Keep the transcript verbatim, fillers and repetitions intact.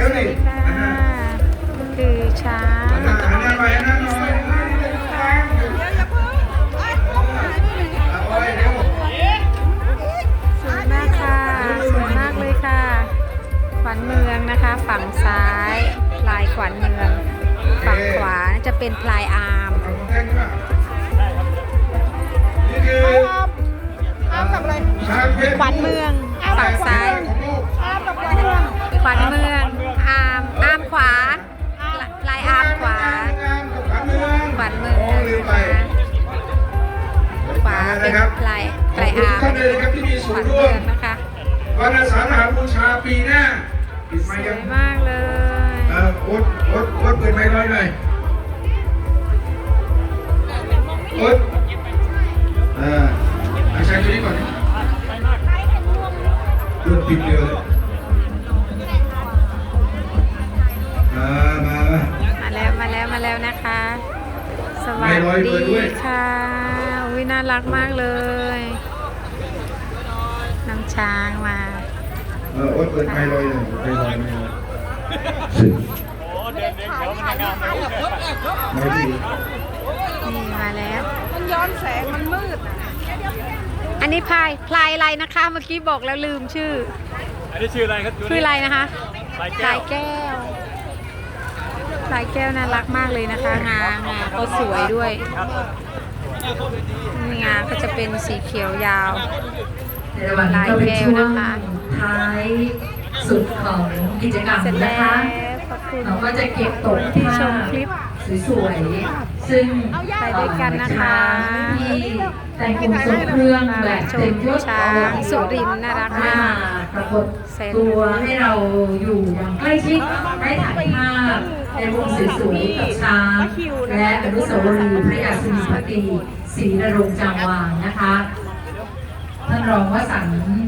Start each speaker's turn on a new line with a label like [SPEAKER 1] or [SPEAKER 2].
[SPEAKER 1] แล้วนี่
[SPEAKER 2] คือช้าง
[SPEAKER 1] อันนั้นไปอันนั้นหน่อยเอาไว้เร็ว
[SPEAKER 2] สวยมากค่ะสวยมากเลยค่ะขวัญเมืองนะคะฝั่งซ้ายพลายขวัญเมืองฝั่งขวาจะเป็นพลายอาร์ม
[SPEAKER 1] นี่คือ
[SPEAKER 3] อ้ามกับอะไร
[SPEAKER 2] ขวัญเมืองฝั่งซ้าย
[SPEAKER 3] อ้ามกับขวัญเมือง
[SPEAKER 2] ขวัญเมืองอาร์มอาร์มขวาพลายอาร์มขวาขวัญเมืองนะคะขวาเป็นพลายพลายอาร์มขวัญเมืองนะคะ
[SPEAKER 1] วันอาสาฬหบูชาปีหน้าปิดไม
[SPEAKER 2] ส
[SPEAKER 1] ค์
[SPEAKER 2] ว
[SPEAKER 1] ยัง
[SPEAKER 2] ยมากเลย
[SPEAKER 1] เออโอ๊ตโอ๊ตโอ๊ตเปิดไมค์น้อยหน่อยโอ๊ตเออเอาใช้ตัวนี้ก่อนเริ่มปิดเร็วเลยมามามา
[SPEAKER 2] มาแล้วมาแล้วมาแล้วนะคะสวัสดีค่ะวิน่ารักมากเลยน้ำช้างมา
[SPEAKER 1] เออโอ๊ตเปิดไมค์ลอยเลยไมค์ลอยไมค์ลอยไม่ดี
[SPEAKER 2] นี่มาแล้ว
[SPEAKER 3] มันย้อนแสงมันมืด
[SPEAKER 2] อันนี้พลายพลายอะไรนะคะเมื่อกี้บอกแล้วลืมชื่อ
[SPEAKER 4] อันนี้ชื่ออะไรครับ
[SPEAKER 2] ชื่ออะไรนะคะ
[SPEAKER 4] พลาย
[SPEAKER 2] พลายแก้วพลายแก้วน่ารักมากเลยนะคะงางาก็สวยด้วยงาก็จะเป็นสีเขียวยาว
[SPEAKER 5] ในวันนี้ก็เป็นช่วงท้ายสุดของกิจกรรมนะคะเราก็จะเก็บตกภาพสวยๆซึ่ง
[SPEAKER 2] ไปด้วยกันนะคะ
[SPEAKER 5] ที่แต่งองค์ทรงเครื่องแบบเต็มยศ
[SPEAKER 2] ช้างสุรินทร์น่ารักมาก
[SPEAKER 5] ปรากฏตัวให้เราอยู่อย่างใกล้ชิดได้ถ่ายภาพในวงสวยๆกับช้างและอนุสาวรีย์พระยาสุนีพระตรีศรีนรงค์จางวางนะคะท่านรองวสันต์